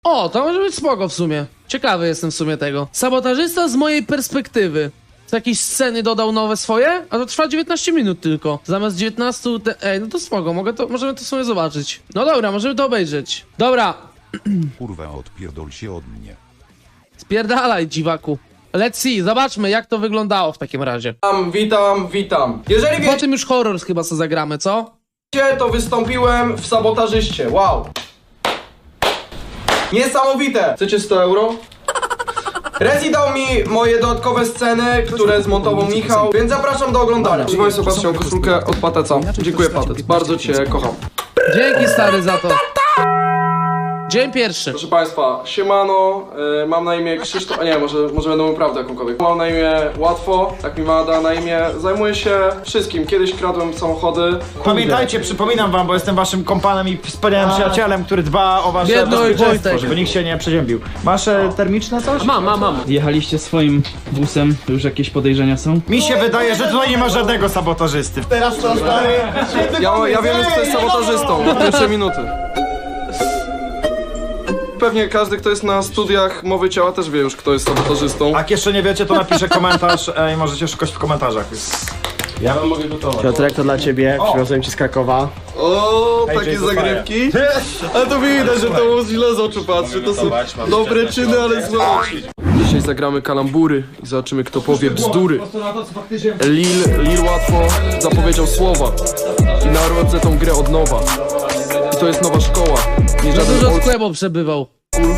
O, to może być spoko w sumie. Ciekawy jestem w sumie tego. Sabotażysta z mojej perspektywy. Co jakieś sceny dodał nowe swoje? A to trwa 19 minut tylko. Zamiast 19... Ej, no to spoko, możemy to sobie zobaczyć. No dobra, możemy to obejrzeć. Dobra. Kurwa, odpierdol się od mnie. Spierdalaj, dziwaku. Let's see, zobaczmy jak to wyglądało w takim razie. Witam. Jeżeli Po tym już horror chyba co zagramy, co? wiecie, to wystąpiłem w Sabotażyście. Wow. Niesamowite. Chcecie 100 euro? Rezi dał mi moje dodatkowe sceny, które zmontował Michał, więc zapraszam do oglądania. Proszę Państwa, patrzcie, mam koszulkę od Pateca. Dziękuję, Patec. Bardzo Cię kocham. Dzięki stary za to. Dzień pierwszy. Proszę Państwa, siemano, mam na imię Krzysztof, a nie, może będę mówił prawdę jakąkolwiek. Mam na imię Łatwo, tak mi Mada na imię. Zajmuję się wszystkim. Kiedyś kradłem samochody. Pamiętajcie, przypominam wam, bo jestem waszym kompanem i wspaniałym przyjacielem, który dba o wasze Biedny bezpieczeństwo, Wojtek. żeby nikt się nie przeziębił. Masz termiczne coś? Mam. Jechaliście swoim busem, to już jakieś podejrzenia są? Mi się wydaje, że tutaj nie ma żadnego sabotażysty. Teraz to stary. Ja wiem już, kto jest sabotażystą. Na pierwsze minuty. Pewnie każdy, kto jest na studiach mowy ciała, też wie już, kto jest sabotażystą. Jak jeszcze nie wiecie, to napiszę komentarz i możecie szukać w komentarzach. Ja wam mogę gotować. Piotrek, to dla ciebie, przywiozłem ci z Krakowa. O, Hej, takie Jason zagrywki. Ale to widać, że to źle z oczu patrzy. To są dobre czyny, ale złe. Dzisiaj zagramy kalambury i zobaczymy, kto powie bzdury. Lil łatwo zapowiedział słowa i narodzę tą grę od nowa. I to jest nowa szkoła. Nie Za żaden dużo old... skłebo przebywał.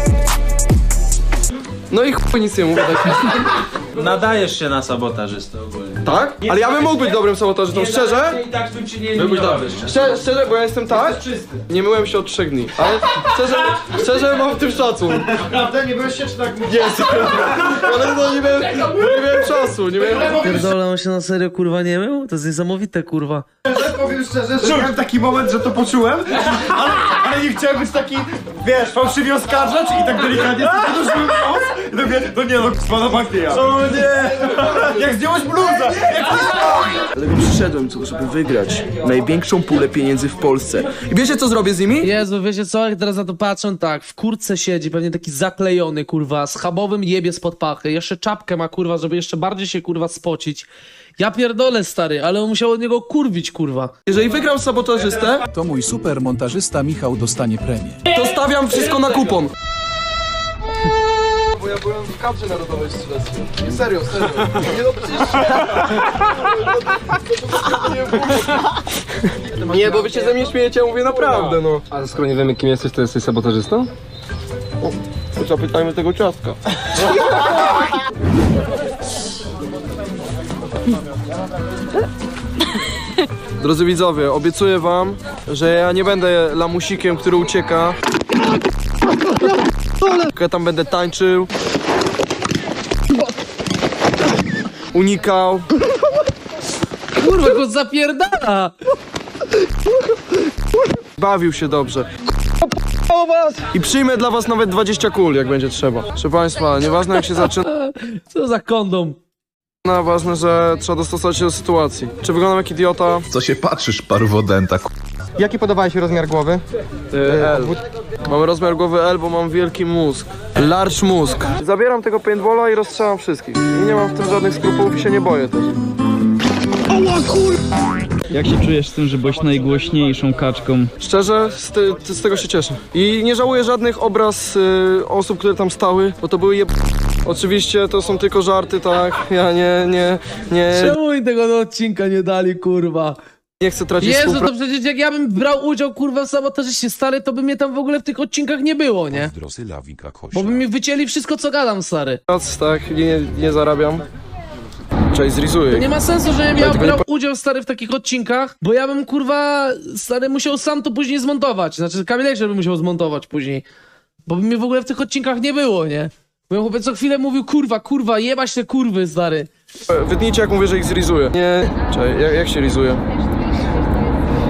No i chuj nic nie mówię. Nadajesz się na sabotażystę ogólnie. Tak? Ale ja bym mógł być dobrym sabotażystą, szczerze? I tak bym ci nie Byłbyś dobry. Szczerze, bo ja jestem tak? Nie myłem się od 3 dni. Ale szczerze mam w tym szacun. Naprawdę? Nie byłeś się czy tak mówię? Jest. Ale no nie miałem czasu, nie miałem... Pierdolę, on się na serio kurwa nie mył? To jest niesamowite kurwa. Powiem szczerze, że miałem taki moment, że to poczułem, ale nie chciałem być taki, wiesz, fałszywie oskarżać i tak delikatnie podłożyłem nos i tak mówię, no nie no, pana bank nie ja. O nie! Jak zdjąłeś bluzę! Dlatego przyszedłem tu, żeby wygrać największą pulę pieniędzy w Polsce. I wiecie, co zrobię z nimi? Jezu, wiecie co, jak teraz na to patrzę, tak, w kurtce siedzi, pewnie taki zaklejony, kurwa, schabowym jebie spod pachy, jeszcze czapkę ma, kurwa, żeby jeszcze bardziej się, kurwa, spocić. Ja pierdolę, stary, ale on musiał od niego kurwić, kurwa. Jeżeli wygram sabotażystę, To mój super montażysta Michał dostanie premię. to stawiam wszystko na kupon. Bo ja byłem w kadrze narodowej strzeleckiej. Nie, serio. Nie no, przecież... Nie, bo wy się ze mnie śmiejecie, ja mówię naprawdę, no. A skoro nie wiemy, kim jesteś, to jesteś sabotażystą? Zapytajmy tego ciastka. Drodzy widzowie, obiecuję wam, że ja nie będę lamusikiem, który ucieka. Ja tam będę tańczył, unikał. Kurwa, go zapierdala! Bawił się dobrze. I przyjmę dla was nawet 20 kul, jak będzie trzeba. Proszę państwa, nieważne jak się zaczyna, Co za kondom? ważne, że trzeba dostosować się do sytuacji. Czy wyglądam jak idiota? Co się patrzysz, parwodenta, Jaki podobałeś rozmiar głowy? L. Mam rozmiar głowy L, bo mam wielki mózg. Large mózg. Zabieram tego paintballa i rozstrzelam wszystkich. I nie mam w tym żadnych skrupułów i się nie boję też. Jak się czujesz z tym, że byłeś najgłośniejszą kaczką? Szczerze, z tego się cieszę. I nie żałuję żadnych obraz osób, które tam stały, bo to były Oczywiście to są tylko żarty, tak? Ja nie Czemu oni tego do odcinka nie dali, kurwa? nie chcę tracić Jezu, współpracy. to przecież jak ja bym brał udział, kurwa, w sabotażyście, stary, to by mnie tam w ogóle w tych odcinkach nie było, nie? Drosy lawika Bo kośla. by mi wycięli wszystko, co gadam, stary. Tak, nie zarabiam. Cześć, zrizuję. Nie ma sensu, że ja tego nie brał udział, stary, w takich odcinkach, bo ja bym, kurwa, stary, musiał sam to później zmontować. Znaczy, Kamilek by musiał zmontować później. Bo by mnie w ogóle w tych odcinkach nie było, nie? Bo ja chłopiec co chwilę mówił, kurwa, jebać te kurwy, stary. Wytnijcie, jak mówię, że ich zrizuję. Nie, czekaj, jak się rizuje?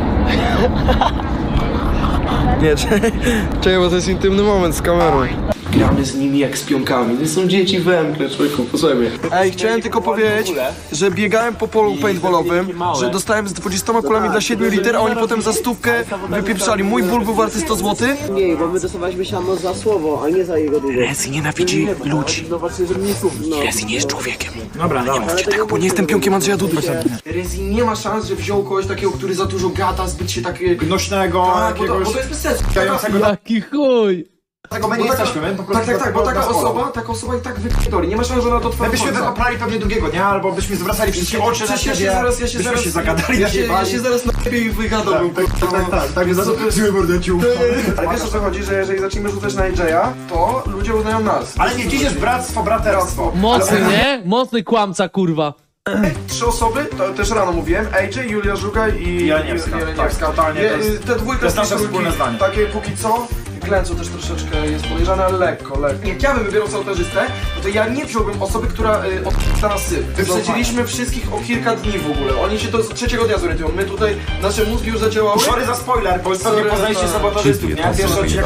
Nie, czekaj, bo to jest intymny moment z kamerą. gramy z nimi jak z pionkami. To są dzieci węgle, człowieku, posłuchaj mnie. Ej, chciałem tylko powiedzieć, że biegałem po polu paintballowym, że dostałem z 20 kulami dla 7 liter, a oni potem za 100 wypieprzali. Mój ból był warty 100 zł. Nie, bo my dostawaliśmy siano za słowo, a nie za jego długość. Rezi nienawidzi ludzi. Rezi nie jest człowiekiem. Dobra, nie mówcie tego, bo nie jestem pionkiem Andrzeja Dudy. Rezi nie ma szans, że wziął kogoś takiego, który za dużo gada, zbyt się tak... Nośnego, jakiegoś... Bo to jest bez sensu. Jaki chuj! Tego my nie jesteśmy, my po prostu... Tak, bo taka osoba i tak wypierdoli. Nie ma szans, że ona to My byśmy wypaprali pewnie drugiego, nie? Albo byśmy zwracali wszystkie oczy na siebie. Byśmy się zagadali, ja się zaraz najlepiej i wygadałbym. Tak, zły mordaciu. Ale wiesz o co chodzi, że jeżeli zaczniemy rzucać na AJ-a, to ludzie uznają nas. Ale nie, dziś jest bractwo, braterstwo. Mocny, nie? Mocny kłamca, kurwa. 3 osoby, to też rano mówiłem, AJ, Julia Żuga i Jeleniewska. Tak, totalnie. Te dwójka to jest nasze wspólne zdanie. Takie póki co. Glęcu też troszeczkę jest podejrzane, ale lekko. Jak ja bym wybierał sabotażystę, no to ja nie wziąłbym osoby, która odda nas syf. Wyprzedziliśmy wszystkich o kilka dni w ogóle. Oni się do 3 dnia zorientują. My tutaj, nasze mózgi już zadziałały. Sorry za spoiler, bo nie poznaliście sabotażystów, nie? Pierwszy odcinek.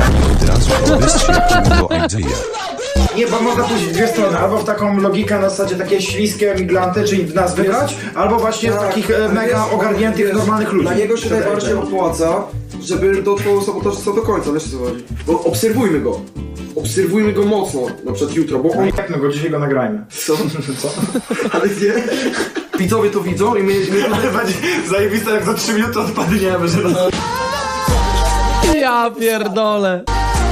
Nie, bo można pójść w dwie strony, albo w taką logikę na zasadzie takie śliskie miglanty, czyli w nas wygrać, albo właśnie w takich mega ogarniętych, normalnych ludzi. Dla niego się najbardziej opłaca, żeby dotrwał sabotażysta do końca, wiesz co chodzi? Bo obserwujmy go. Obserwujmy go mocno, na przykład jutro, bo on... Jak no go dzisiaj go nagrajmy. Co? Ale gdzie? Widzowie to widzą i my... Ale będzie zajebiste, jak za 3 minuty odpadniemy, że nas... Ja pierdolę.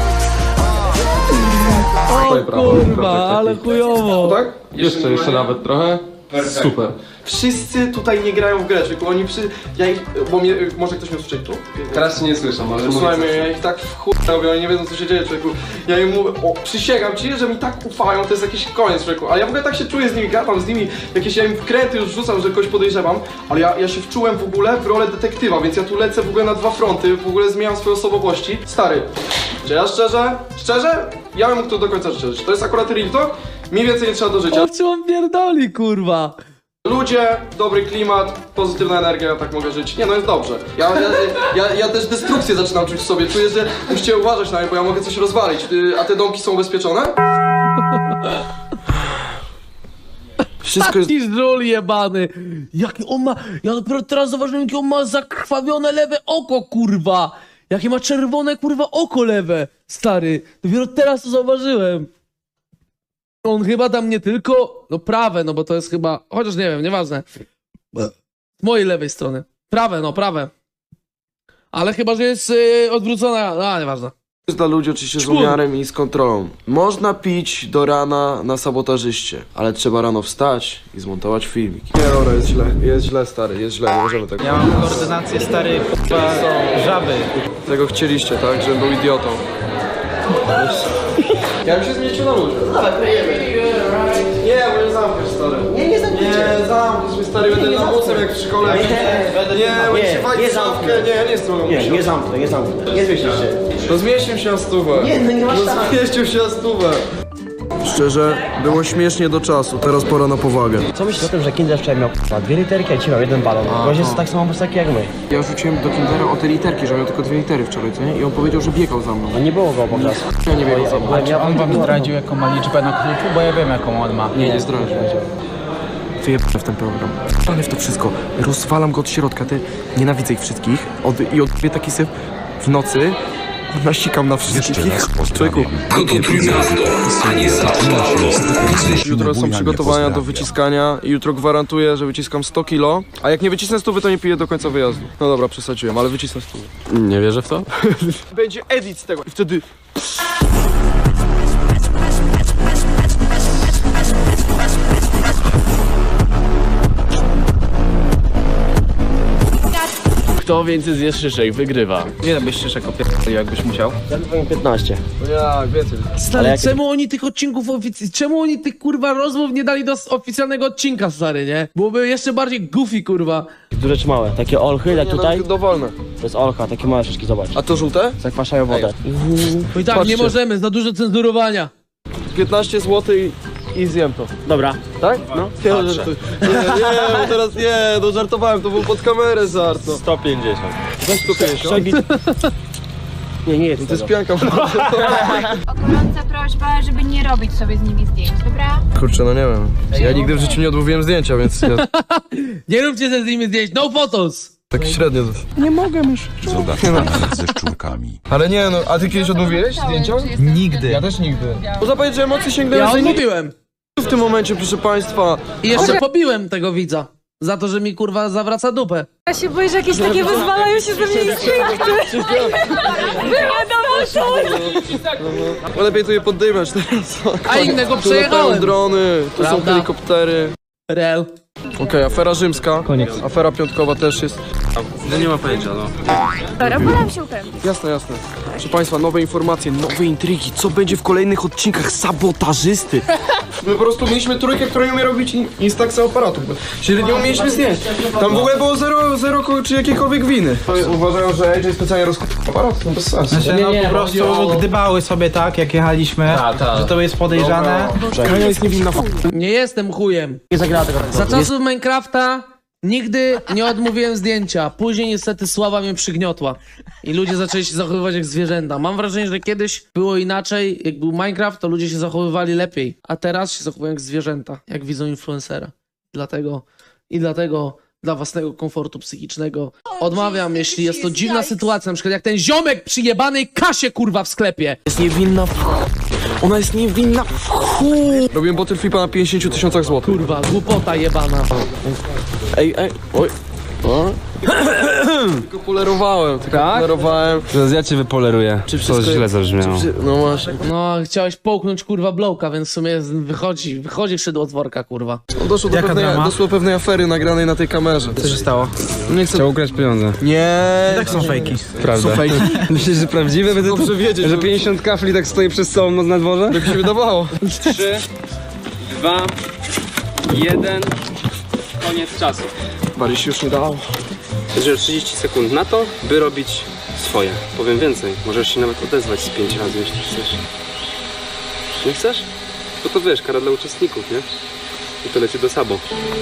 O kurwa, ale chujowo. Tak? Jeszcze nawet trochę. Super. Wszyscy tutaj nie grają w grę, tylko oni może ktoś mnie usłyszeć tu? Teraz nie słyszę, ale Słuchaj mnie, ja ich tak w chuj robię, oni nie wiedzą co się dzieje, człowieku. Ja im mówię, przysięgam ci, że mi tak ufają, to jest jakiś koniec, człowieku. Ale ja w ogóle tak się czuję z nimi, gadam z nimi, jakieś ja im wkręty już rzucam, że kogoś podejrzewam. Ale ja się wczułem w ogóle w rolę detektywa, więc ja tu lecę w ogóle na 2 fronty, w ogóle zmieniam swoje osobowości. Stary, czy ja szczerze, ja bym mógł to do końca życia. To jest akurat real talk, mi więcej nie trzeba do życia. O czym on pierdoli, kurwa? Ludzie, dobry klimat, pozytywna energia, ja tak mogę żyć. Nie no, jest dobrze. Ja też destrukcję zaczynam czuć w sobie. Czuję, że musicie uważać na mnie, bo ja mogę coś rozwalić. A te domki są ubezpieczone? Wszystko jest... Taki żul jebany. Jaki on ma... Ja dopiero teraz zauważyłem, jakie on ma zakrwawione lewe oko, kurwa. Jakie ma czerwone, kurwa, oko lewe. Stary, dopiero teraz to zauważyłem. On chyba tam nie tylko... No prawe, no bo to jest chyba... Chociaż nie wiem, nieważne. Z mojej lewej strony. Prawe. Ale chyba, że jest odwrócona... nieważne. jest dla ludzi oczywiście z umiarem i z kontrolą. Można pić do rana na sabotażyście, ale trzeba rano wstać i zmontować filmik. Nie, dobra, jest źle stary, jest źle, nie możemy tego. Ja mam koordynację stary, żaby. Tego chcieliście, tak? Żebym był idiotą. Ja bym się zmieścił na ludzie. Dawaj, kryjemy. Nie, bo nie zamkniesz stary. Nie zamkniecie. Nie, zamkniesz mnie stary, będę lamusem jak w szkole. Nie, bo się wali w szafkę. Nie, ja nie jestem lamusem. Nie zamknę. Nie zmieścisz się. To zmieścił się na stówę. Nie, no nie masz No szans. zmieścił się na stówę. Szczerze, było śmiesznie do czasu, teraz pora na powagę. Co myślisz o tym, że Kinder wczoraj miał 2 literki, a dzisiaj miał 1 balon? Gość jest tak samo prosty jak my. Ja rzuciłem do Kindera o te literki, że miał tylko 2 litery wczoraj, co nie? I on powiedział, że biegał za mną. A nie było go po prostu. Ja nie biegał za mną. Czy On wam zdradził jaką ma liczbę na kluczu? Bo ja wiem jaką on ma. Nie zdradził. Wyjebane w ten program. Wyjebane w to wszystko. Rozwalam go od środka, nienawidzę ich wszystkich. I odbiję taki syf w nocy. Nasikam na wszystkich. Człowieku. Jutro są przygotowania do wyciskania i jutro gwarantuję, że wyciskam 100 kilo. A jak nie wycisnę 100, to nie piję do końca wyjazdu. No dobra, przesadziłem, ale wycisnę 100. Nie wierzę w to? Będzie edit z tego i wtedy... Kto więcej zje szyszek, wygrywa. Ile byś szyszek opierdolił, jakbyś musiał? Ja powiem 15. Jak, wiecie. Stary, jak- czemu oni tych odcinków czemu oni tych kurwa rozmów nie dali do oficjalnego odcinka, stary, nie? Byłoby jeszcze bardziej goofy, kurwa. Duże czy małe? Takie olchy, jak tutaj? Dowolne. To jest olcha, takie małe szyszki, zobacz. A to żółte? Zakwaszają wodę. No i tak, Patrzcie. nie możemy, za dużo cenzurowania. 15 zł i zjem to. Dobra. Tak? No. Nie, bo teraz nie, no żartowałem, to był pod kamerę żart. No. 150. Weź 150. Nie, nie jest To jest tego. pianka. Gorąca prośba, żeby nie robić sobie z nimi zdjęć, dobra? Kurczę, no nie wiem. Ja nigdy w życiu nie odmówiłem zdjęcia, więc ja Nie róbcie ze z nimi zdjęć, no photos! tak średnio. Zobaczmy ze szczurkami. Ale nie no, a ty kiedyś odmówiłeś zdjęcia? Nigdy. Ja też nigdy. Można powiedzieć, że emocje sięgnęły Ja za odmówiłem. w tym momencie, proszę państwa. I jeszcze pobiłem tego widza. Za to, że mi kurwa zawraca dupę. Ja się boję, że jakieś takie wyzwalają się ze mnie instynkty. Wywiadomo coś. No lepiej tu je poddymiać teraz. A innego Tu latają przejechałem. drony, tu są Prawda. helikoptery. Rel. Okej, afera rzymska. Koniec. Afera piątkowa też jest. No nie ma pojęcia, no. Dobra, wolę się upewnić. Jasne, jasne. Proszę państwa, nowe informacje, nowe intrygi. Co będzie w kolejnych odcinkach sabotażysty? My po prostu mieliśmy trójkę, która nie umie robić instaxa aparatu. Czyli nie umieliśmy zdjęć. Tam w ogóle było zero czy jakiejkolwiek winy. Uważają, że AJ specjalnie rozkupił aparat, to bez sensu. Po prostu gdybały sobie tak, jak jechaliśmy, że to jest podejrzane. Kania jest niewinna. Nie jestem chujem. Nie zagrała tego. Za czasów Minecrafta nigdy nie odmówiłem zdjęcia. Później niestety sława mnie przygniotła. I ludzie zaczęli się zachowywać jak zwierzęta. Mam wrażenie, że kiedyś było inaczej. Jak był Minecraft, to ludzie się zachowywali lepiej. A teraz się zachowują jak zwierzęta. Jak widzą influencera. Dlatego dla własnego komfortu psychicznego odmawiam, jeśli jest to dziwna sytuacja. Na przykład jak ten ziomek przy jebanej kasie kurwa w sklepie. Jest niewinna. Ona jest niewinna. Robiłem bottle flipa na 50 000 złotych. Kurwa, głupota jebana. Ej, oj. Tylko polerowałem, Teraz ja cię wypoleruję. Czy wszystko źle zabrzmiało. No właśnie. No, chciałeś połknąć kurwa blowka, więc w sumie wychodzi szydło z worka, kurwa. Doszło do pewnej afery nagranej na tej kamerze. Co się stało? Nie chcę... Chciał ukraść pieniądze. Nie. Tak są fejki. Prawda. Myślisz, że prawdziwe? Będę Dobrze wiedzieć, że 50 kafli tak stoi przez całą noc na dworze? Tak mi się wydawało. 3, 2, 1. Koniec czasu. Bardziej się już nie dało. Będziesz 30 sekund na to, by robić swoje. Powiem więcej, możesz się nawet odezwać z 5 razy, jeśli chcesz. Nie chcesz? Bo to wiesz, kara dla uczestników, nie? I to leci do Sabo.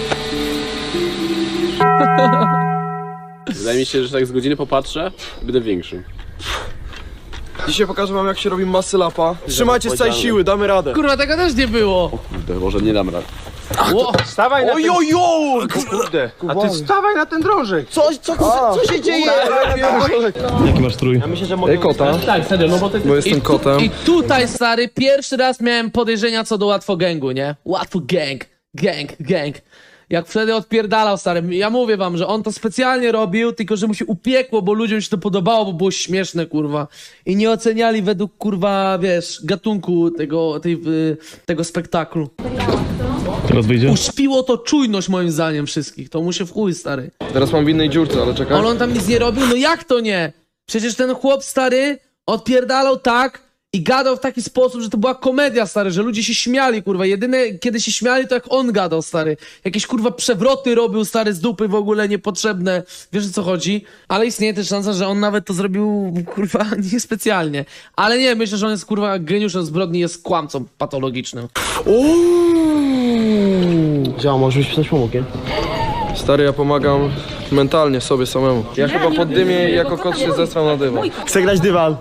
Wydaje mi się, że tak z godziny popatrzę, będę większy. Dzisiaj pokażę wam, jak się robi masy lapa. Trzymajcie z całej siły, damy radę. Kurwa, tego też nie było. Kurde, może nie dam rady. Ło, Stawaj na ten... Ojojoj! Kurde. A ty wstawaj na ten drążek. Co się dzieje? Jaki masz strój? Ej, kota. tak, serio, no bo ty... Bo jestem kotem. I tutaj, stary, pierwszy raz miałem podejrzenia co do łatwo gangu, nie? Łatwo gang. Jak wtedy odpierdalał, stary, ja mówię wam, że on to specjalnie robił, tylko że mu się upiekło, bo ludziom się to podobało, bo było śmieszne, kurwa. I nie oceniali według, kurwa, wiesz, gatunku tego spektaklu. Teraz wyjdzie? Uśpiło to czujność, moim zdaniem, wszystkich. To mu się w chuj, stary. Teraz mam w innej dziurce, ale czekaj. Ale on tam nic nie robił? No jak to nie? Przecież ten chłop, stary, odpierdalał tak i gadał w taki sposób, że to była komedia, stary, że ludzie się śmiali, kurwa. Jedyne, kiedy się śmiali, to jak on gadał, stary. Jakieś, kurwa, przewroty robił, stary, z dupy w ogóle niepotrzebne. Wiesz, o co chodzi? Ale istnieje też szansa, że on nawet to zrobił, kurwa, niespecjalnie. Ale nie, myślę, że on jest, kurwa, geniuszem zbrodni, jest kłamcą patologicznym. Działa, może byś coś pomógł, nie? Stary, ja pomagam mentalnie sobie samemu. Ja chyba pod dymie i jako kot się zestram na dywan. Chcę grać dywan.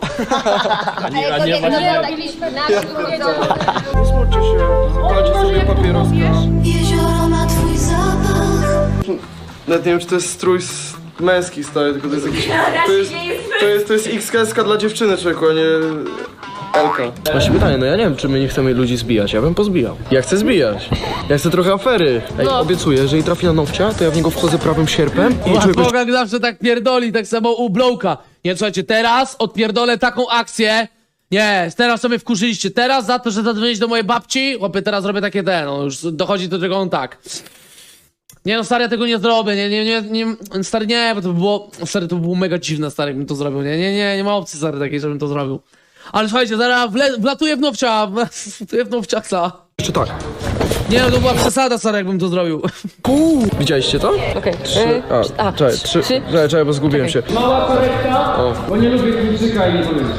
Smućcie się, zapalcie sobie papieroska. Jezioro ma twój zapach. Nawet nie wiem, czy to jest strój męski, stary, tylko to jest jakiś... To jest XKS dla dziewczyny, człowieku, a nie... Elka. Właśnie pytanie, no ja nie wiem, czy my nie chcemy ludzi zbijać, ja bym pozbijał. Ja chcę zbijać. Ja chcę trochę afery. Ej, obiecuję, jeżeli trafi na nowcia, to ja w niego wchodzę prawym sierpem i człowiek będzie... Bogak zawsze tak pierdoli, tak samo u Blowka. Nie, słuchajcie, teraz odpierdolę taką akcję. Nie, teraz sobie wkurzyliście. Teraz za to, że zadzwonić do mojej babci, chłopie, teraz robię takie no już dochodzi do tego on tak. Nie no, stary, ja tego nie zrobię, nie, stary, nie, bo to by było, stary, to by było mega dziwne, stary, jakbym to zrobił, nie ma opcji, stary, takiej, żebym to zrobił. Ale słuchajcie, zaraz wlatuję w nowcia, Jeszcze tak. Nie no, to była przesada, stary, jakbym to zrobił. Widzieliście to? Okej. Czekaj, bo zgubiłem się. Mała korekta, bo nie lubię kluczyka i nie powiem.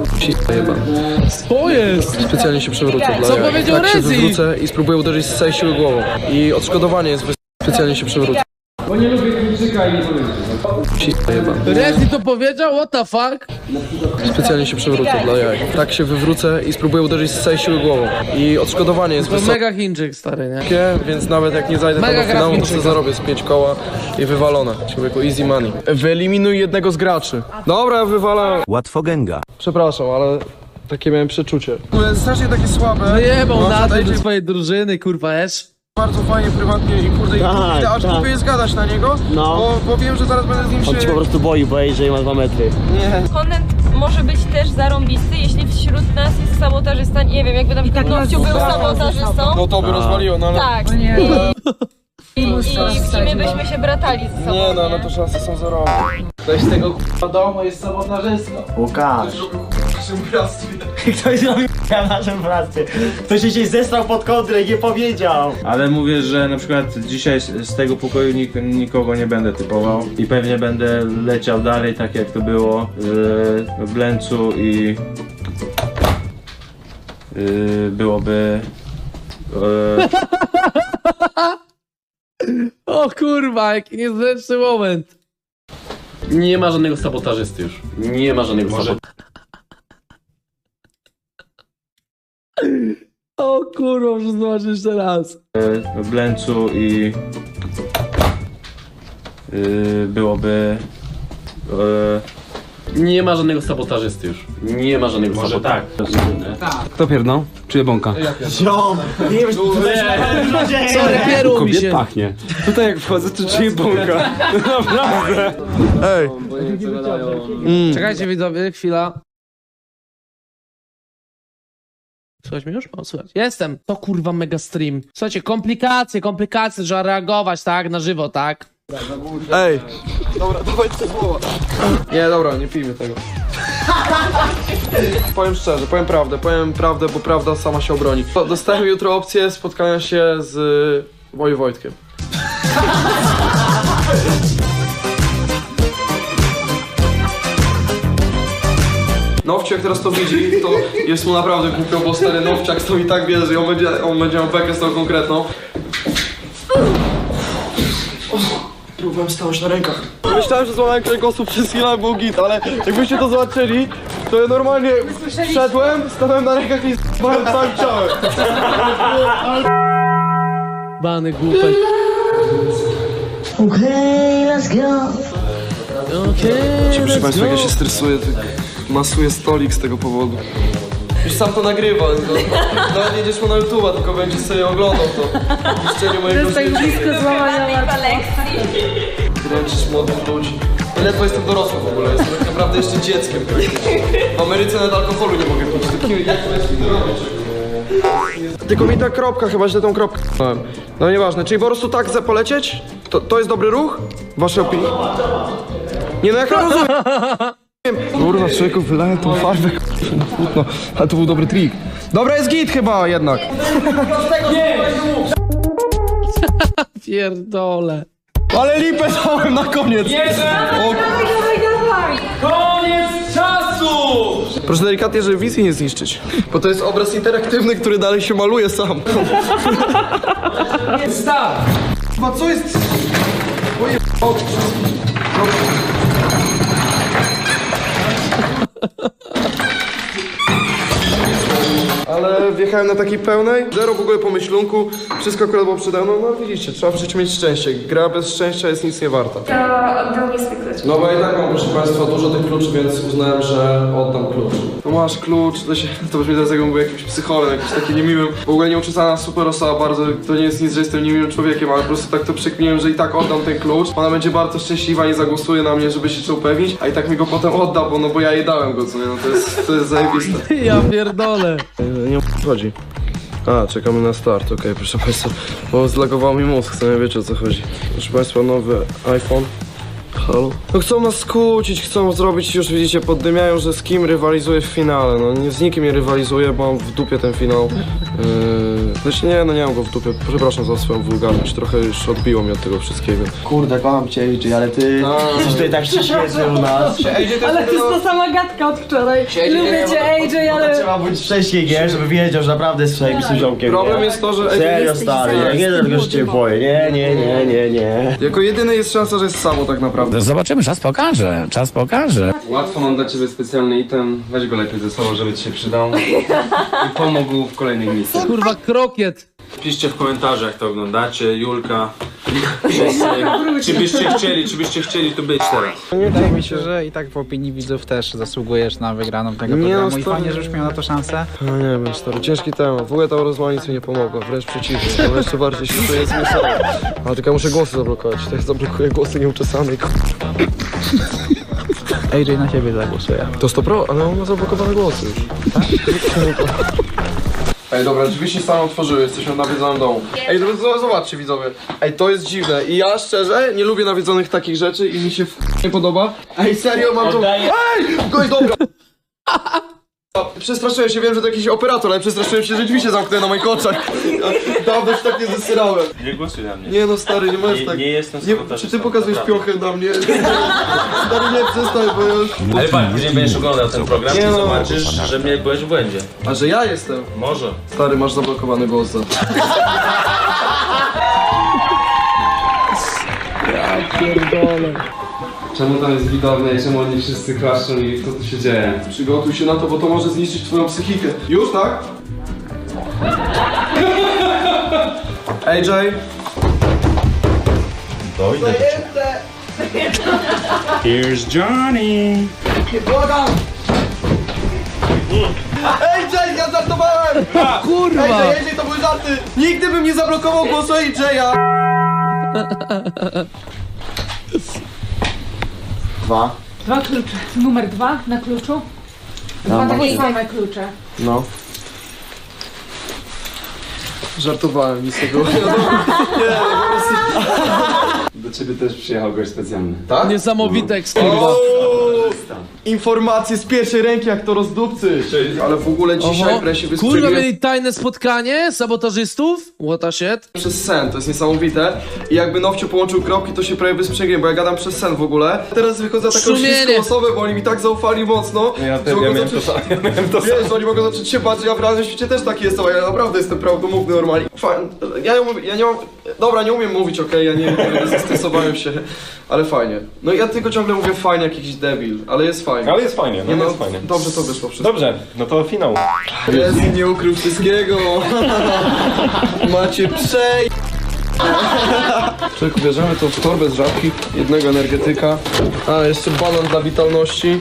Co jest? Specjalnie się przewrócę dla Co jaj. powiedział Tak się Rezi? wywrócę i spróbuję uderzyć z całej siły głową. I odszkodowanie jest specjalnie się przewrócę. Bo nie lubię Chińczyka i nie powiem. Rezi to powiedział? What the fuck? Specjalnie się przewrócę dla jaj. Tak się wywrócę i spróbuję uderzyć z całej siły głową. I odszkodowanie jest To wysokie, mega Chińczyk, stary, nie? więc nawet jak nie zajdę tam Mega do finału, to graficzny. sobie zarobię z 5 koła i wywalone. Człowieku, easy money. Wyeliminuj jednego z graczy. Dobra, wywalam. Łatwogęga. Przepraszam, ale takie miałem przeczucie. Strasznie takie słabe. Wyjebał No, nazwę dajcie do swojej drużyny, kurwa, esz. bardzo fajnie, prywatnie i kurde, Tak, aż tak. próbuję zgadać na niego, No. bo wiem, że zaraz będę z nim On ci po prostu boi, że ma 2 metry. Content może być też zarąbisty, jeśli wśród nas jest sabotażysta, nie wiem, jakby na przykład Nowciu był sabotażystą. No to by rozwaliło, no ale... Tak. I w sumie byśmy się bratali ze sobą. Nie no, ale to szanse są zerowe. Ktoś z tego domu jest sabotażystą. Łukasz. Ktoś zrobił w naszym pracy. Ktoś się dzisiaj zesrał pod kontrę i nie powiedział. Ale mówię, że na przykład dzisiaj z tego pokoju nikogo nie będę typował i pewnie będę leciał dalej tak jak to było w Blęcu i byłoby O kurwa, jaki niezręczny moment. Nie ma żadnego sabotażysty już. Nie ma żadnego sabotażysty. O kurwa, muszę zobaczyć jeszcze raz. w Blęcu i byłoby Nie ma żadnego sabotażysty już. Nie ma żadnego sabotażysty. Kto pierdnął? Czuję bąka. Ziom! Nie wiem, Sorry, pieru mi się. Pachnie. Tutaj jak wchodzę, to czuję bąka. Naprawdę. Ej. Czekajcie widzowie, chwila. Słuchaj mnie już? O, słuchaj. Jestem. To kurwa mega stream. Słuchajcie, komplikacje, trzeba reagować, tak? Na żywo, tak? Ej. Dobra, dawajcie słowa. Nie, dobra, nie pijmy tego. Powiem szczerze, powiem prawdę, bo prawda sama się obroni. Dostałem jutro opcję spotkania się z Wojtkiem. Nowciak jak teraz to widzi, to jest mu naprawdę głupio, bo stary Nowciak to i tak bierze i on będzie miał bekę z tą konkretną. Próbowałem stanąć na rękach. Myślałem, że złamałem kręgosłup przez chwilę, był git, ale jakbyście to zobaczyli, to ja normalnie wszedłem, stanąłem na rękach i z***ałem całym ciałem. Bany głupek. let's go. Proszę Państwa, jak ja się stresuję, to masuję stolik z tego powodu. Już sam to nagrywa, nawet nie jedziesz mu na YouTube'a, tylko będziesz sobie oglądał to. Niszczenie mojego życia. Złamanej kolekcji. Dręczysz młodych ludzi. Ledwo jestem dorosły w ogóle, jestem tak naprawdę jeszcze dzieckiem. W Ameryce nawet alkoholu nie mogę pić. Jak to jest robić? Tylko mi ta kropka, chyba źle tą kropkę dałem. No nieważne, czyli po prostu tak chcę polecieć? To jest dobry ruch? Wasze opinie? Nie no, jak ja rozumiem. Kurwa, człowieku, wylałem tą farbę, no, ale to był dobry trik. Dobra, jest git chyba jednak. Pierdole. Ale lipę dałem na koniec. Koniec czasu! Proszę delikatnie, żeby wizji nie zniszczyć. Bo to jest obraz interaktywny, który dalej się maluje sam. Start! Chyba co jest? Oje... Ale wjechałem na takiej pełnej, zero w ogóle pomyślunku, wszystko akurat było przede mną, no widzicie, trzeba w życiu mieć szczęście. Gra bez szczęścia jest nic nie warta. To oddał mi swój klucz. No bo ja i tak mam, proszę Państwa, dużo tych kluczy, więc uznałem, że oddam klucz. No masz klucz, to brzmi teraz jakbym był jakimś psycholem, jakimś takim niemiłym. W ogóle nieuczesana super osoba, bardzo, to nie jest nic, że jestem niemiłym człowiekiem, ale po prostu tak to przekminiłem, że i tak oddam ten klucz. Ona będzie bardzo szczęśliwa i zagłosuje na mnie, żeby się upewnić, a i tak mi go potem odda, bo ja jej dałem go, co nie, no to jest zajebiste. Ja pierdolę. Nie chodzi. A, czekamy na start, okej, proszę Państwa, bo zlagował mi mózg, co nie wiecie o co chodzi. Proszę Państwa, nowy iPhone. Halo? No chcą nas skłócić, chcą zrobić, już widzicie, poddymiają, że z kim rywalizuję w finale. No nie z nikim nie rywalizuję, bo mam w dupie ten finał. Znaczy nie, no nie mam go w dupie. Przepraszam za swoją wulgarność. Trochę już odbiło mnie od tego wszystkiego. Kurde, kocham cię, AJ, ale ty jesteś tutaj tak świetny u nas. Ale to jest ta sama gadka od wczoraj. Lubię cię, AJ, ale... Trzeba być wcześniej, nie? Żeby wiedział, że naprawdę jest zajebistym ziomkiem. Problem jest to, że... Serio, stary, ja nie dlatego, że cię boję. Nie. Jako jedyny jest szansa, że jest samo tak naprawdę. Zobaczymy, czas pokaże, czas pokaże. Łatwo mam dla ciebie specjalny item. Weź go lepiej ze sobą, żeby ci się przydał. I pomógł w kolejnych misjach. Kurwa, krokiet. Piszcie w komentarzach, jak to oglądacie, Julka. Wszyscy, czy byście chcieli tu być teraz. Wydaje mi się, że i tak w opinii widzów też zasługujesz na wygraną tego programu i fajnie, że już miał na to szansę. No nie wiem, stary, ciężki temat. W ogóle ta rozmowa nic mi nie pomogła, wręcz przeciwnie. To jeszcze bardziej się czuję zmieszany. Ale tylko ja muszę głosy zablokować. To ja zablokuję głosy nieuczesanej. AJ na ciebie zagłosuje. To 100%, ale on ma zablokowane głosy już. Ej, dobra, drzwi się same otworzyły, jesteśmy w nawiedzonym domu. Ej, zobaczcie widzowie. Ej, to jest dziwne i ja szczerze nie lubię nawiedzonych takich rzeczy i mi się nie podoba. Ej, serio, mam to... Ej! Oj, dobra! Przestraszyłem się, wiem, że to jakiś operator, ale przestraszyłem się, że drzwi się zamknęły na moich oczach. Dawno się tak nie zesyrałem. Nie głosuj na mnie. Nie no, stary, nie możesz tak... Nie jestem Czy ty pokazujesz piochę na mnie? Stary, nie, przestań, bo ja już... Ale patrz, później będziesz oglądał ten program Nie i no. zobaczysz, że mnie byłeś w błędzie. A że ja jestem? Może. Stary, masz zablokowany głos za... Ja pierdolę. Czemu tam jest widownia i czemu oni wszyscy klaszczą i co tu się dzieje? Przygotuj się na to, bo to może zniszczyć twoją psychikę. Już, tak? AJ? Dojdę do ciebie. Here's Johnny. Błagam! AJ, ja żartowałem! Kurwa! AJ, to były żarty! Nigdy bym nie zablokował głosu AJ-a! 2. 2 klucze. Numer 2 na kluczu. 2 takie same klucze. No. Żartowałem, nic tego. Do ciebie też przyjechał gość specjalny. Tak? Niesamowite ekskurwa. Informacje z pierwszej ręki, jak to rozdupcy. Ale w ogóle dzisiaj wreszcie Kurwa, wystrzeliłem mieli tajne spotkanie sabotażystów? What the shit? przez sen, to jest niesamowite. I jakby Nowcio połączył kropki, to się prawie wysprzęgłem, bo ja gadam przez sen w ogóle. Teraz wychodzę taką śliską osobę, bo oni mi tak zaufali mocno. Ja miałem to samo. Wiesz, oni mogą zacząć się bać, że ja w realnym świecie też taki jestem, a ja naprawdę jestem prawdomówny normalnie. Fajnie, ja nie mam... Dobra, nie umiem mówić, okej, ja nie zestresowałem się, ale fajnie. No ja tylko ciągle mówię fajnie, jak jakiś debil, ale jest fajnie. Ale jest fajnie, no, Nie, jest fajnie. Dobrze to wyszło wszystko. Dobrze, no to finał. Jest, nie ukrył wszystkiego. Macie przej... Człowieku, bierzemy to w torbę z żabki, jednego energetyka, a jeszcze banan dla witalności.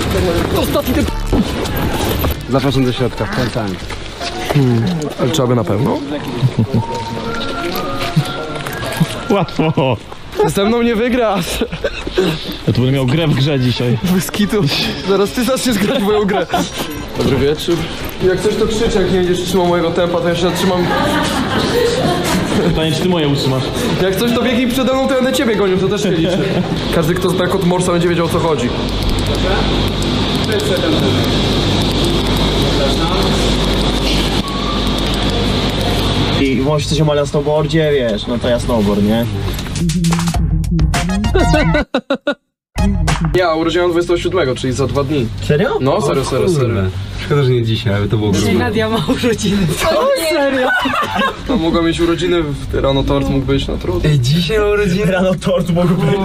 Zapraszam do środka, wkręcamy. Ale trzeba by na pewno? Łatwo. Ze mną nie wygrasz. Ja tu będę miał grę w grze dzisiaj. Bez kitu. Zaraz ty zaczniesz grać w moją grę. Dobry wieczór. Jak coś to krzycz, jak nie będziesz trzymał mojego tempa, to ja się zatrzymam. Pytanie, czy ty moje utrzymasz? Jak coś to biegnij przede mną, to ja będę ciebie gonił, to też się liczy. Każdy, kto zna kod Morsa, będzie wiedział, o co chodzi. I może coś o na snowboardzie, wiesz, no to ja snowboard, nie? Ja urodziłem 27, czyli za 2 dni. Serio? No, serio. Szkoda, że nie dzisiaj, ale to było grubo. Nadia ma urodziny. O, serio? No, mogła mieć urodziny, rano tort mógł być, no trudno. Ej, dzisiaj ma urodziny? Rano tort mógł być.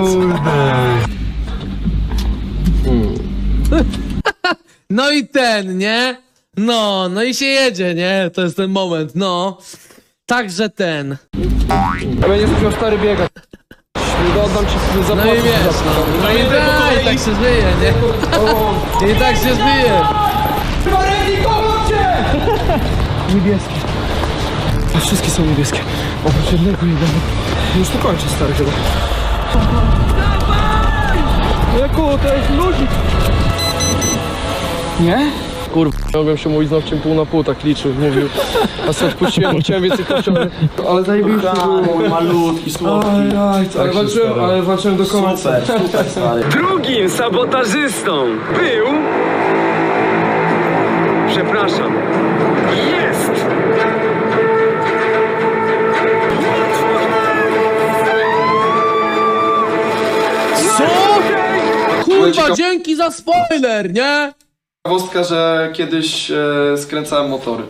No i ten, nie? No i się jedzie, nie? To jest ten moment, no. Także ten. Ja będziesz musiał stary biegać. Nie oddam ci No zapłacę. i wiesz, no i tak się zbyje, nie? I tak się zbyje. Niebieskie. A wszystkie są niebieskie. Oprócz jednego jednego. Już to kończę, stary, chyba. Jaku, to jest ludzik. Nie? Kurwa, mogłem się mówić znów pół na pół, tak liczył, mówił. A sobie odpuściłem, chciałem więcej kościoły. Ale zajebiście było. Malutki, słodki. Ale walczyłem do końca. Super, stary. Drugim sabotażystą był... Przepraszam. Jest! za spoiler, nie? Ciekawostka, że kiedyś skręcałem motory.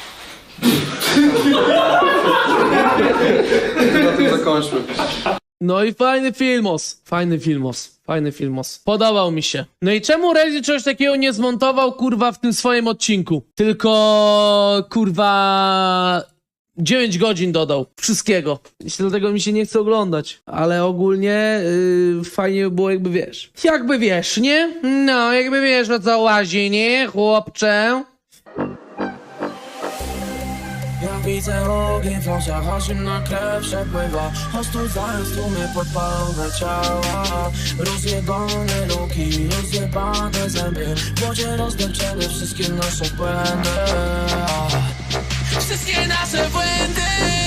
Na tym zakończmy. No i fajny filmos. Fajny filmos. Fajny filmos. Podobał mi się. No i czemu Rezy czegoś takiego nie zmontował, kurwa, w tym swoim odcinku? Tylko, kurwa... 9 godzin dodał. Wszystkiego. Dlatego mi się nie chce oglądać. Ale ogólnie fajnie by było, jakby wiesz. Jakby wiesz, nie? No, jakby wiesz, o co łazi, nie, chłopcze? Ja widzę ogień w oczach, aż zimna krew przepływa. Ostudzają tłumy podpalone ciała. Rozjebane luki, rozjebane zęby. W wodzie rozdepczemy wszystkie nasze błędy. Wszystkie nasze błędy.